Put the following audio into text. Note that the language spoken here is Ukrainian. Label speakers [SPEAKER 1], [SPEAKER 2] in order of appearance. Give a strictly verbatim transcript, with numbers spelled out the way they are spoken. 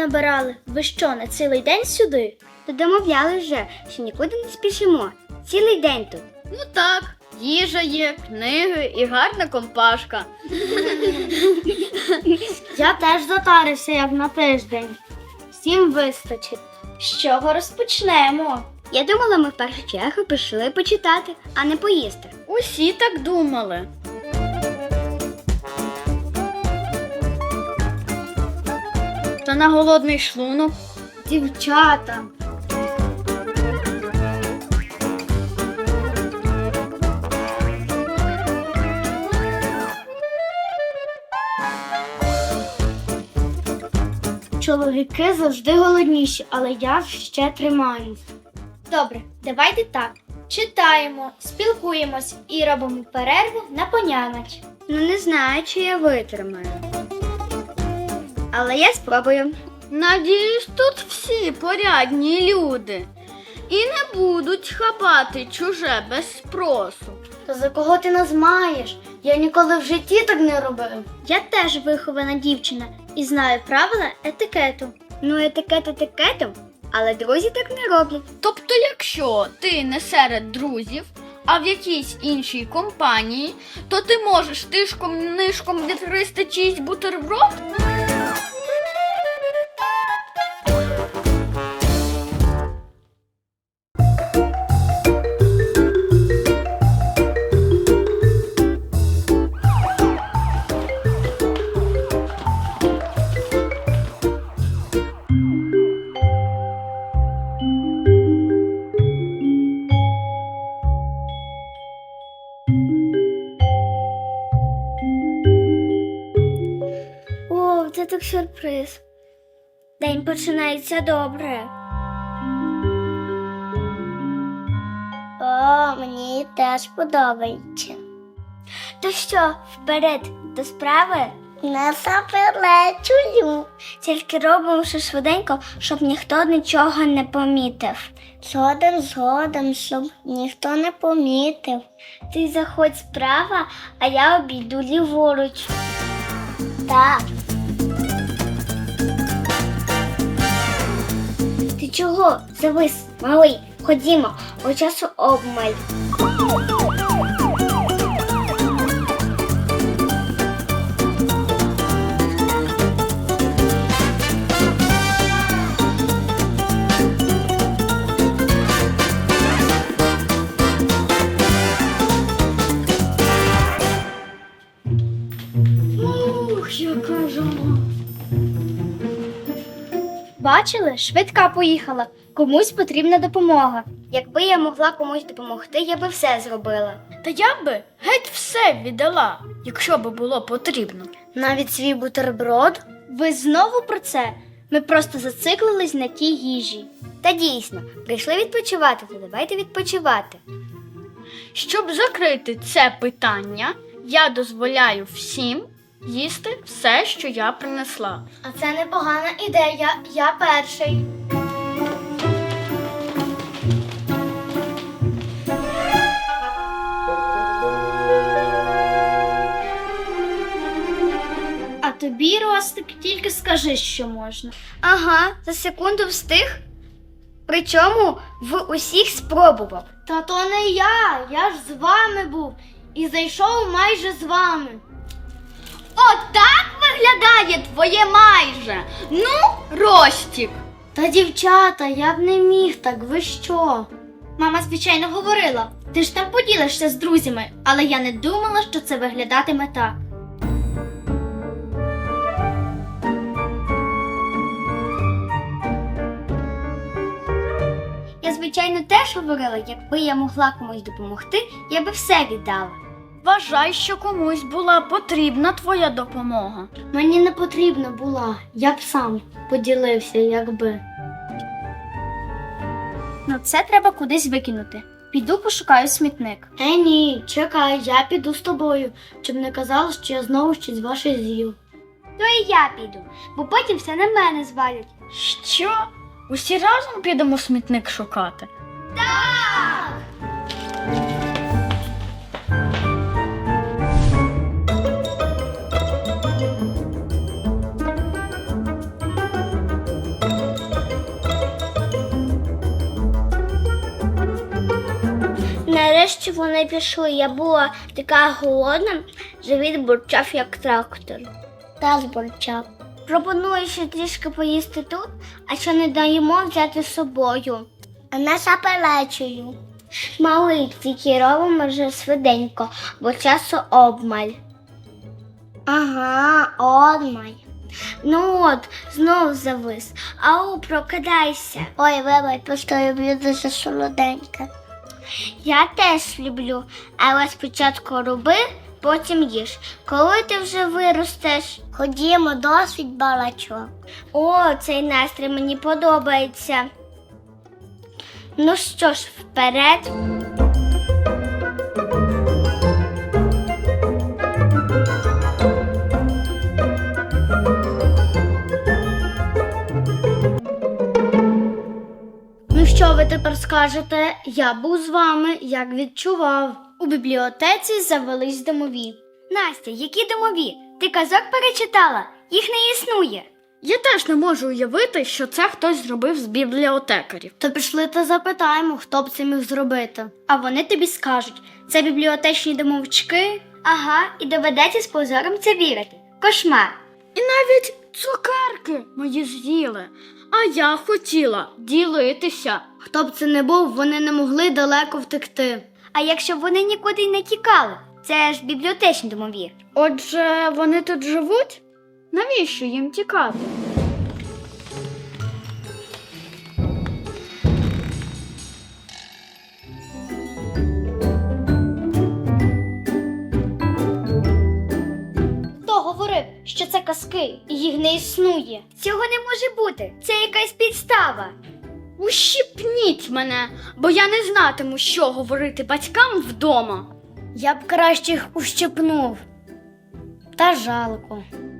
[SPEAKER 1] понабирали. Ви що, на цілий день сюди?
[SPEAKER 2] То домовляли вже, що нікуди не спішимо. Цілий день тут.
[SPEAKER 3] Ну так, їжа є, книги і гарна компашка.
[SPEAKER 1] Я теж затарився, як на тиждень. Всім вистачить. З чого розпочнемо?
[SPEAKER 2] Я думала, ми в першу чергу прийшли почитати, а не поїсти.
[SPEAKER 3] Усі так думали. Та на голодний шлунок.
[SPEAKER 1] Дівчата. Чоловіки завжди голодніші, але я ще тримаюсь. Добре, давайте так. Читаємо, спілкуємось і робимо перерву на поняноч.
[SPEAKER 2] Ну не знаю, чи я витримаю. Але я спробую.
[SPEAKER 3] Надіюсь, тут всі порядні люди. І не будуть хапати чуже без спросу.
[SPEAKER 1] То за кого ти нас маєш? Я ніколи в житті так не робив. Я теж вихована дівчина і знаю правила етикету.
[SPEAKER 2] Ну, етикет етикетом, але друзі так не роблять.
[SPEAKER 3] Тобто, якщо ти не серед друзів, а в якійсь іншій компанії, то ти можеш тишком-нишком відгризти чийсь бутерброд?
[SPEAKER 1] О, це так сюрприз. День починається добре. О, мені теж подобається. То що, вперед до справи? Не заперечую. Тільки робимо все швиденько, щоб ніхто нічого не помітив. Згодом, згодом, щоб ніхто не помітив. Ти заходь справа, а я обійду ліворуч. Так. Ти чого? Завис, малий. Ходімо, у часу обмаль.
[SPEAKER 3] Ух, яка жара.
[SPEAKER 1] Бачили? Швидка поїхала. Комусь потрібна допомога. Якби я могла комусь допомогти, я би все зробила.
[SPEAKER 3] Та я би геть все віддала, якщо би було потрібно.
[SPEAKER 1] Навіть свій бутерброд? Ви знову про це? Ми просто зациклились на тій їжі.
[SPEAKER 2] Та дійсно, прийшли відпочивати, то давайте відпочивати.
[SPEAKER 3] Щоб закрити це питання, я дозволяю всім їсти все, що я принесла.
[SPEAKER 1] А це непогана ідея. Я перший. А тобі, Ростик, тільки скажи, що можна.
[SPEAKER 2] Ага, за секунду встиг. Причому в усіх спробував.
[SPEAKER 1] Та то не я, я ж з вами був і зайшов майже з вами.
[SPEAKER 3] Отак виглядає твоє майже. Ну, Ростік.
[SPEAKER 1] Та, дівчата, я б не міг так, ви що? Мама, звичайно, говорила, ти ж там поділишся з друзями, але я не думала, що це виглядатиме так.
[SPEAKER 2] Я, звичайно, теж говорила, якби я могла комусь допомогти, я би все віддала.
[SPEAKER 3] Вважай, що комусь була потрібна твоя допомога.
[SPEAKER 1] Мені не потрібна була, я б сам поділився, якби. Ну це треба кудись викинути. Піду пошукаю смітник. Е, ні, чекай, я піду з тобою, щоб не казали, що я знову щось ваше з'їв.
[SPEAKER 2] То і я піду, бо потім все на мене звалять.
[SPEAKER 3] Що? Усі разом підемо смітник шукати?
[SPEAKER 1] Нарешті вони пішли. Я була така голодна, живіт бурчав як трактор. Та збурчав. Пропоную ще трішки поїсти тут, а що не даємо взяти з собою. А не заперечую. Малий, тільки робимо вже швиденько, бо часу обмаль. Ага, обмаль. Ну от, знов завис. Ау, прокидайся. Ой, вибач, просто люблю дуже солоденьке. Я теж люблю, але спочатку роби, потім їж. Коли ти вже виростеш? Ходімо, досить балачок. О, цей настрій мені подобається. Ну що ж, вперед.
[SPEAKER 2] Ну що ви тепер скажете? Я був з вами, як відчував. У бібліотеці завелись домові.
[SPEAKER 1] Настя, які домові? Ти казок перечитала? Їх не існує.
[SPEAKER 3] Я теж не можу уявити, що це хтось зробив з бібліотекарів.
[SPEAKER 2] То пішли та запитаємо, хто б це міг зробити. А вони тобі скажуть, це бібліотечні домовички.
[SPEAKER 1] Ага, і доведеться з позором це вірити. Кошмар.
[SPEAKER 3] І навіть цукерки мої з'їли. А я хотіла ділитися.
[SPEAKER 2] Хто б це не був, вони не могли далеко втекти.
[SPEAKER 1] А якщо вони нікуди й не тікали? Це ж бібліотечні домові.
[SPEAKER 3] Отже, вони тут живуть? Навіщо їм тікати?
[SPEAKER 2] Хто говорив, що це казки і їх не існує?
[SPEAKER 1] Цього не може бути. Це якась підстава.
[SPEAKER 3] Ущипніть мене, бо я не знатиму, що говорити батькам вдома.
[SPEAKER 2] Я б краще їх ущипнув. Та жалко.